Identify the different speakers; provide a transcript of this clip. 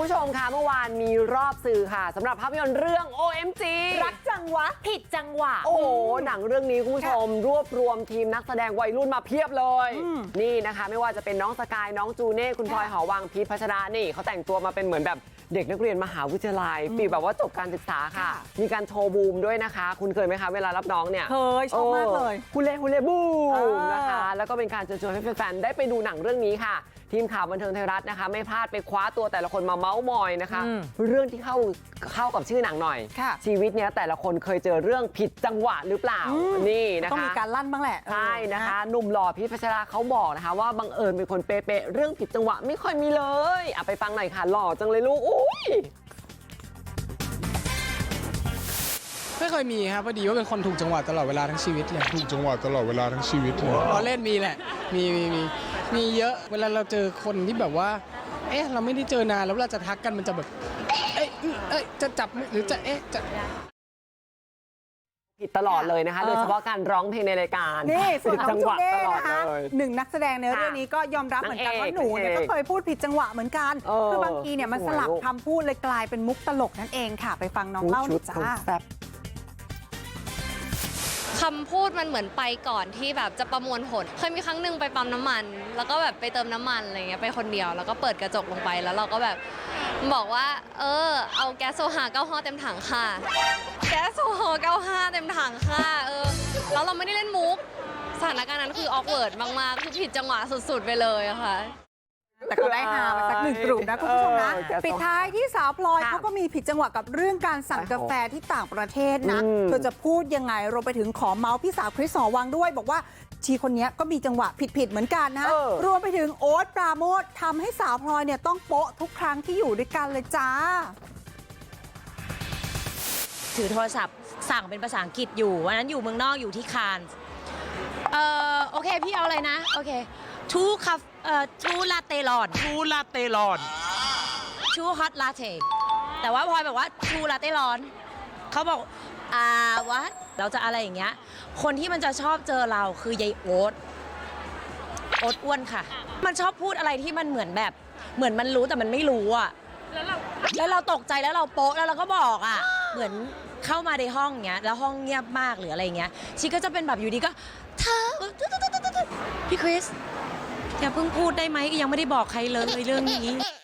Speaker 1: ผู้ชมคะเมื่อวานมีรอบสื่อค่ะสำหรับภาพยนตร์เรื่อง OMG
Speaker 2: รักจังวะผิดจังหวะ
Speaker 1: โอ้โหหนังเรื่องนี้คุณผู้ชมรวบรวมทีมนักแสดงวัยรุ่นมาเพียบเลยนี่นะคะไม่ว่าจะเป็นน้องสกายน้องจูเน่คุณพลอยหอวังพีทพัชรานี่เขาแต่งตัวมาเป็นเหมือนแบบเด็กนักเรียนมหาวิทยาลัยฟีลแบบว่าจบการศึกษาค่ะมีการโชว์บูมด้วยนะคะคุณเคยไหมคะเวลารับน้องเนี่ย
Speaker 2: เคยชอบมากเลย
Speaker 1: ฮูเล่บูมนะคะแล้วก็เป็นการเชิญชวนให้แฟนๆได้ไปดูหนังเรื่องนี้ค่ะทีมข่าวบันเทิงไทยรัฐนะคะไม่พลาดไปคว้าตัวแต่ละคนมาเม้ามอยนะคะเรื่องที่เข้ากับชื่อหนังหน่อยชีวิตเนี้ยแต่ละคนเคยเจอเรื่องผิดจังหวะหรือเปล่านี่นะคะ
Speaker 2: ต้องมีการลั่นบ้างแหละ
Speaker 1: ใช่นะคะหนุ่มหล่อพีทพัชราเขาบอกนะคะว่าบังเอิญเป็นคนเป๊ะๆเรื่องผิดจังหวะไม่ค่อยมีเลยเอาไปฟังหน่อยค่ะหล่อจังเลยลูกอุ้ย
Speaker 3: ไม่เคยมีครับพอดีว่าเป็นคนถูกจังหวะตลอดเวลาทั้งชีวิตเลย
Speaker 4: ถูกจังหวะตลอดเวลาทั้งชีวิตเลย
Speaker 3: เราเล่นมีแหละมีเยอะเวลาเราเจอคนที่แบบว่าเอ๊ะเราไม่ได้เจอนานแล้วเราจะทักกันมันจะแบบเอ๊ะจะจับหรือจะจะ
Speaker 1: ผิดตลอดเลยนะคะโดยเฉพาะการร้องเพลงในรายการ
Speaker 2: นี่ส่วนน้องจูเน่นะคะ
Speaker 1: เลย
Speaker 2: หนึ่งนักแสดงในเรื่องนี้ก็ยอมรับเหมือนกันว่าหนูเนี่ยก็เคยพูดผิดจังหวะเหมือนกันคือบางทีเนี่ยมันสลับคำพูดเลยกลายเป็นมุกตลกนั่นเองค่ะไปฟังน้องเล่าหน่อยจ้า
Speaker 5: คำพูดมันเหมือนไปก่อนที่แบบจะประมวลผลเคยมีครั้งหนึ่งไปปั๊มน้ำมันแล้วก็แบบไปเติมน้ำมันอะไรเงี้ยไปคนเดียวแล้วก็เปิดกระจกลงไปแล้วเราก็แบบบอกว่าเอาแก๊สโซฮา95เต็มถังค่ะแก๊สโซฮา95เต็มถังค่ะแล้วเราไม่ได้เล่นมุกสถานการณ์นั้นคือออกเวิร์ดมากๆคือผิดจังหวะสุดๆไปเลยอะค่ะ
Speaker 2: แต่ก็ได้หามาสักหนึ่งกลุ่มนะคุณผู้ชมนะปิดท้ายที่สาวพลอยเขาก็มีผิดจังหวะกับเรื่องการสั่งกาแฟที่ต่างประเทศนะเธอจะพูดยังไงรวมไปถึงขอเมาส์พี่สาวคริสหอวังด้วยบอกว่าชีคนนี้ก็มีจังหวะผิดเหมือนกันนะรวมไปถึงโอ๊ตปราโมททำให้สาวพลอยเนี่ยต้องโป๊ะทุกครั้งที่อยู่ด้วยกันเลยจ้า
Speaker 6: ถือโทรศัพท์สั่งเป็นภาษาอังกฤษอยู่วันนั้นอยู่เมืองนอกอยู่ที่คานส์โอเคพี่เอาอะไรนะโอเคทูลาเต้ร้อนทูฮอตลาเต้แต่ว่าพลอยแบบว่าทูลาเต้ร้อนเขาบอกวัดเราจะอะไรอย่างเงี้ยคนที่มันจะชอบเจอเราคือยายโอ๊ตอ้วนค่ะมันชอบพูดอะไรที่มันเหมือนแบบเหมือนมันรู้แต่มันไม่รู้อ่ะแล้วเราตกใจแล้วเราโป๊ะแล้วเราก็บอกอ่ะเหมือนเข้ามาในห้องเงี้ยแล้วห้องเงียบมากหรืออะไรเงี้ยชีก็จะเป็นแบบอยู่ดีก็เธอพี่คริสอย่าเพิ่งพูดได้ไหมยังไม่ได้บอกใครเลยเรื่องนี้